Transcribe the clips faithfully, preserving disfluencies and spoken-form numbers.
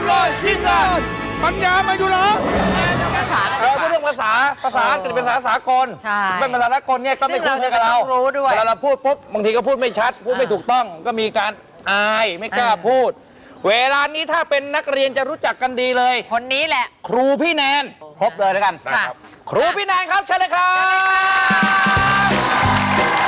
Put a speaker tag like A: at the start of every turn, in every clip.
A: เลยชิงกันปัญญามาอยู่เหรอ
B: ภาษา
C: เออเรื่องภาษาภาษาอังกฤษเป็นภาษาสากล
B: ใช่
C: เป็นภาษาสากลเนี่ยก็ไม่คุ้นเคยกับเรา
B: ซึ่งเราจะต้องรู้ด้วย
C: เวลาเราพูดปุ๊บบางทีก็พูดไม่ชัด พูดไม่ถูกต้องก็มีการอายไม่กล้าพูด เวลานี้ถ้าเป็นนักเรียนจะรู้จักกันดีเลย
B: คนนี้แหละ
C: ครูพี่แนนครบเลยแล้วกัน
B: ค่ะ
C: ครูพี่แนนครับเชิญเลยครับ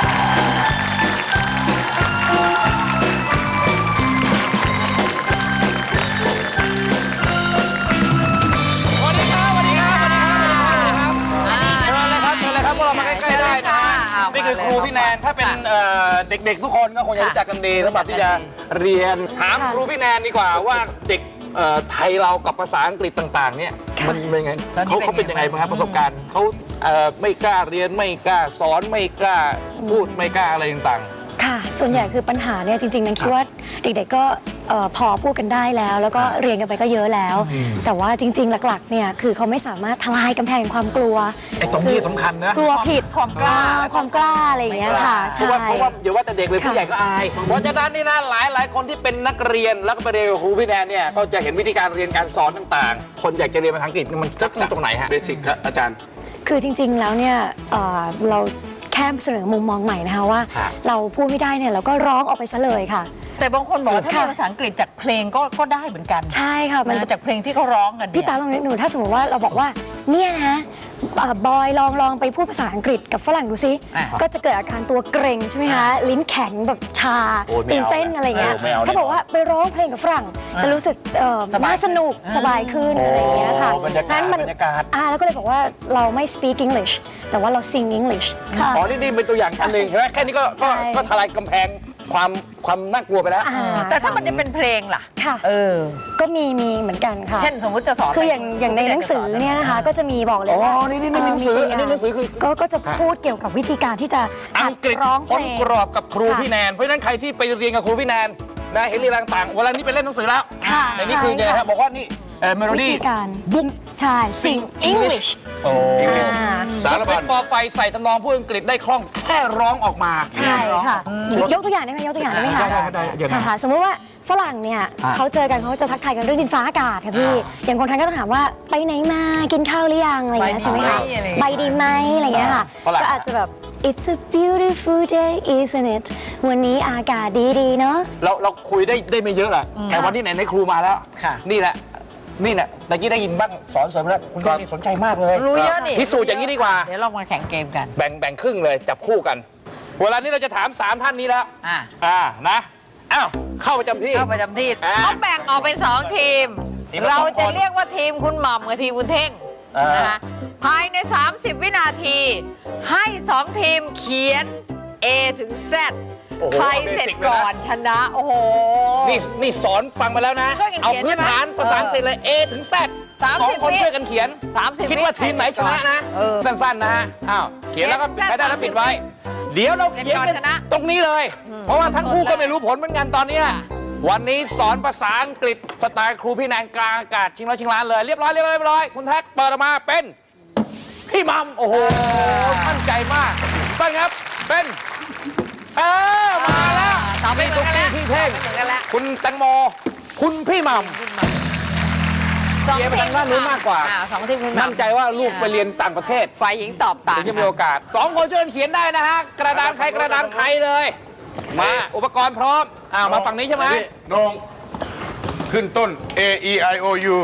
C: สวัสดีครับสวัสดีครับสวัสดีครับสวัสดีครับเชิญเลยครับเชิญเลยครับพวกเรามาใกล้ๆได้นะนี่คือครูพี่แนนถ้าเป็นเด็กๆทุกคนก็คงจะรู้จักกันดีสำหรับที่จะเรียนถามครูพี่แนนดีกว่าว่าเด็กไทยเรากับภาษาอังกฤษต่างๆเนี่ยมันเป็นยังไงเขาเขาเป็นยังไงบ้างครับประสบการณ์เขาไม่กล้าเรียนไม่กล้าสอนไม่กล้าพูดไม่กล้าอะไรต่างๆ
D: ค่ะส่วนใหญ่คือปัญหาเนี่ยจริงๆนันคิดว่าเด็กๆก็พอพูดกันได้แล้วแล้วก็เรียนกันไปก็เยอะแล้วแต่ว่าจริงๆหลักๆเนี่ยคือเขาไม่สามารถทลายกำแพงความกลัว
C: ไอ้ตรงนี้สำคัญนะ
D: กลัวผิด
B: ความกล้า
D: ความกล้าอะไรอย่างเงี้ยค่ะ
C: เพราะว่าเพราะว่าเดี๋ยวว่าแต่เด็กเลยผู้ใหญ่ก็อายเพราะฉะนั้นนี่นะหลายหลายคนที่เป็นนักเรียนแล้วก็ไปเรียนกับครูพี่แนนเนี่ยก็จะเห็นวิธีการเรียนการสอนต่างๆคนอยากจะเรียนภาษาอังกฤษมันจะที่ตรงไหนฮะ
A: เบสิกครับอาจารย์
D: คือจริงๆแล้วเนี่ยเราแค่เสนอมุมมองใหม่นะคะว่าเราพูดไม่ได้เนี่ยเราก็ร้องออกไปซะเลยค่ะ
B: แต่บางคนบอกว่าถ้าเรียนภาษาอังกฤษจากเพลงก็ก็ได้เหมือนกัน
D: ใช่ค่ะ
B: มันจากเพลงที่เขาร้องกัน
D: พี่ตาลองนึกหนูถ้าสมมติว่าเราบอกว่าเนี่ยนะบอยลองลองไปพูดภาษาอังกฤษกับฝรั่งดูซิก็จะเกิดอาการตัวเกร็งใช่ไหมคะลิ้นแข็งแบบชาตื่นเต้นอะไรเงี้ยถ้าบอกว่าไปร้องเพลงกับฝรั่งจะรู้สึกน่าสนุกสบายขึ้นอะไรเงี้ยค่ะ
C: นั้นมัน
D: อ่าแล้วก็เลยบอกว่าเราไม่ speak English แต่ว่าเรา sing English ค่ะ
C: อ๋อนี่เป็นตัวอย่างอันหนึ่งใช่ไหมแค่นี้ก็ก็ทลายกำแพงความความน่ากลัวไปแล้ว
B: แต่ถ้ามันจะเป็นเพลงล่ะ
D: ค่ะ
B: เออ
D: ก็มีมีเหมือนกันค่ะ
B: เช่นสมมติจะสอน
D: คืออย่างอย่างในหนังสือเนี่ยนะคะก็จะมีบอกเลยว่า
C: อ๋อนี่นี่หนังสืออันนี้หนังสือคือ
D: ก็ก็จะพูดเกี่ยวกับวิธีการที่จะ
C: อังกฤษ
D: ร้องเพลง
C: พ้นกรอบกับครูพี่แนนเพราะฉะนั้นใครที่ไปเรียนกับครูพี่แนนนะเห็นเรียนต่างๆเวลานี้ไปเล่นหนังสือแล้วในนี้คือไงครับบอกว่านี่เมโลดี้
D: บุ๊กใช่ sing English
C: โอ้สารพัดปอไฟใส่ทำนองพูดอังกฤษได้คล่องแค่ร้องออกมา
D: ใช่ค่ะยกตัวอย่างได้ไหมยกตัวอย่างได้ไหมคะค่ะสมมติว่าฝรั่งเนี่ยเขาเจอกันเขาจะทักทายกันเรื่องดินฟ้าอากาศค่ะพี่อย่างคนไทยก็ต้องถามว่าไปไหนมากินข้าวหรือยังอะไรอย่างเงี้ยใช่ไหมคะไปดีไหมอะไรอย่างเงี้ยค่ะก็อาจจะแบบ It's a beautiful day isn't it วันนี้อากาศดีๆเนาะ
C: เราเราคุยได้ได้ไม่เยอะแหละแต่วันนี้ไหนในครูมาแล้วนี่แหละนี่แหละตะกี้ได้ยินบ้างสอนเสริมแล้วคุณแม่นี่สนใจมากเลย
B: รู้เยอะนี่
C: พิสูจน์อย่างนี้ดีกว่า
B: เดี๋ยวเรามาแข่งเกมกัน
C: แบ่งแบ่งครึ่งเลยจับคู่กันเวลานี้เราจะถามสามท่านนี้แล้วอ่าอ่านะอ้าวเข้าประจำที่
B: เข้าประจำที่เขาแบ่งออกเป็นสองทีมเราจะเรียกว่าทีมคุณหม่ำกับทีมคุณเท่งนะคะภายในสามสิบวินาทีให้สองทีมเขียน A ถึง Z ใครเสร็จก่อนชนะโอ้โห
C: นี่นี่สอนฟังมาแล้วนะเอาพื้นฐานภาษาอังกฤษเลย A ถึง Z สองคนช่วยกันเขียนคิดว่าทีมไหนชนะนะสั้นๆนะฮะอ้าวเขียนแล้วก็ใครได้แล้วปิดไว้เดี๋ยวเราเขียนกันตรงนี้เลยเพราะว่าทั้งคู่ก็ไม่รู้ผลเหมือนกันตอนนี้วันนี้สอนภาษาอังกฤษสไตล์ครูพี่แนนกลางอากาศชิงร้อยชิงล้านเลยเรียบร้อยเรียบร้อยเรียบร้อยคุณแท็กเปิดออกมาเป็นพี่มัมโอ้โหมั่นใจมากต้นครับเป็นเออมาแล้ว
B: นี่
C: ตุ๊กกี้พี่เท่งคุณแตงโมคุณพี่มัมเชียร์ไปทางด้านนู้นมากกว่า
B: สองทีมคุณ
C: มั่นใจว่าลูกไปเรียนต่างประเทศ
B: ฝ่ายหญิงตอบต่าง
C: จะมีโอกาสสองคนช่วยเขียนได้นะฮะกระดานใครกระดานใครเลยมาอุปกรณ์พร้อมอ้าวมาฝั่งนี้ใช่ไหม
A: นงขึ้นต้น A E I O U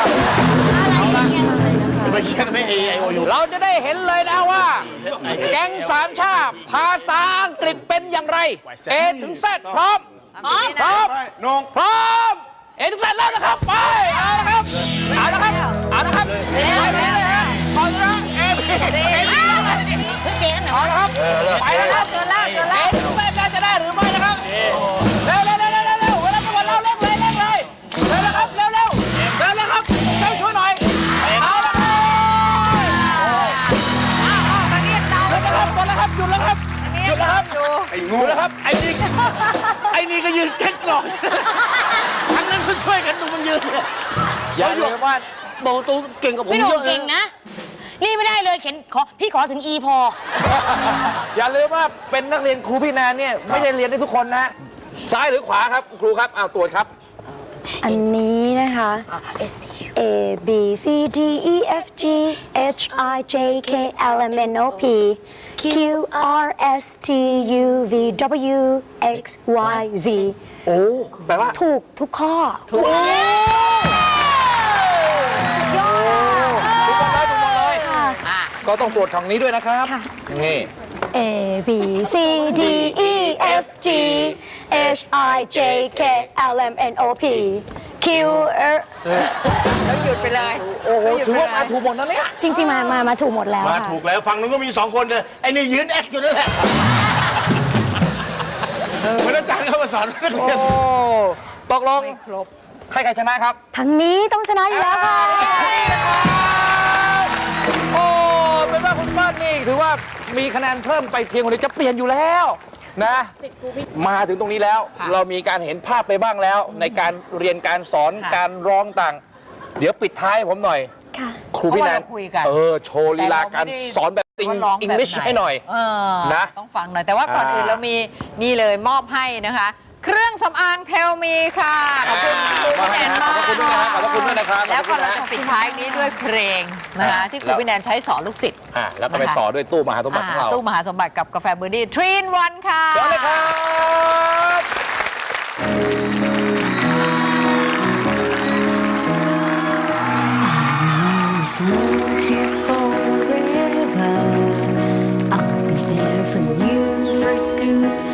A: ไม่เขียนไม่ A E I O U
C: เราจะได้เห็นเลยนะว่าแก๊งสามชาติภาษาอังกฤษเป็นอย่างไร A ถึง Z พร้อมพร้อม
A: นง
C: พร้อม A ถึง Z แล้วนะครับไปเอาละครับเอาละครับเอาละครับไปเลยฮะเอาละ A B เอาละครับไปแล้วครับเกินแล้วเกินแล้ว A ถึง Z จะได้หรือไม่นะครับเร็วเร็วเร็วเร็วเร็วเวลาจะหมดแล้วเร่งเลยเร่งเลยเร็วแล้วครับเร็วเร็วเร็วแล้วครับช่วยช่วยหน่อยเอาละครับหยุดแล้วครับหยุดแล้วครับหยุดแล้วครับหยุดแล้วครับ
A: ไอ้
C: งูแล้วครับไอ้นี่ไอ้นี่ก็ยืนแค่กรอกทั้งนั้นเขาช่วยกันดูมันยืนอย่าลืมว่าโบตูเก่งกับผมเยอะ
E: เก่งนะนี่ไม่ได้เลยเขียนขอพี่ขอถึง E พอ
C: อย่าลืมว่าเป็นนักเรียนครูพี่แนนเนี่ยไม่ได้เรียนได้ทุกคนนะซ้ายหรือขวาครับครูครับเอาตรวจครับ
D: อันนี้นะคะ A B C D E F G H I J K L M N O P Q R S T U V W X Y Z
C: โอ้แปลว่า
D: ถูกทุกข้อ
C: ถูกยอดถูกหมดเลยถูกหมดเลยก็ต้องตรวจทางนี้ด้วยนะครับ
D: ค่ะ
C: นี่
D: A B C D E F G H I J K L M N O P Q R
B: แล้วหยุดไปเลย
C: โอ้โห
B: แล้วหยุด
C: ถือ
B: ไป
C: ว่า
B: เลย
C: มาถูกหมดนะเนี่ย
D: จริง ๆ มา มา มาถูกหมดแล้ว
A: มา
D: ค่ะ
A: ถูกแล้วฝั่งนู้นก็มีสองคนเลยไอ้นี่ยืนเอสอยู่นั่นแหละเหมือนอาจารย์เข้ามาสอนนักเรียน
C: โอ้ตกลง
B: ไม่ครบ
C: ใครใครชนะครับ
D: ทางนี้ต้องชนะอยู่แล้วค่ะ
C: โอ้เป็นว่าคุณเปิ้ลนี่ถือว่ามีคะแนนเพิ่มไปเพียงคนเดียวจะเปลี่ยนอยู่แล้วนะมาถึงตรงนี้แล้ว
B: ค่ะ
C: เรามีการเห็นภาพไปบ้างแล้ว ในการเรียนการสอน
B: ค่ะ
C: การร้องต่าง เดี๋ยวปิดท้ายผมหน่อย
D: ค่ะ
C: ครูพี่แนน
B: เพราะว่าเราคุยกัน
C: เออโชว์ลีลาการ
B: แต่เไม่ได้
C: สอนแบบติง
B: ว่าร้อง
C: อัง
B: แบบ
C: กฤษ
B: ไ
C: ให้หน่อย
B: เออ
C: นะ
B: ต้องฟังหน่อย แต่ว่าก่อน
C: อ่า
B: อื่นเรามีนี่เลยมอบให้นะคะ เครื่องสำอางเทลมีค่ะ ขอบคุณครู
C: มา
B: พี่แน
C: ให้
B: น
C: นะ
B: มาก
C: ขอบคุณด้วยนะครับขอบคุณด้วยนะครับ
B: แล้วก็
C: ขอบ
B: เรา
C: คุณ
B: จะ
C: นะ
B: ปิดท้ายนี้ด้วยเพลงนะคะ ที่ครูพี่แนนใช้สอนลูกศิษย์
C: อ่ะแล้วก็ไปต่อด้วยตู้มหาสมบัติของเรา
B: อ่าตู้มหาสมบัติกับกาแฟเบอร์ดี้ทรีนวันค่ะ
C: เชิญเลยครับ
D: It's love here forever. I'll be there for you for good.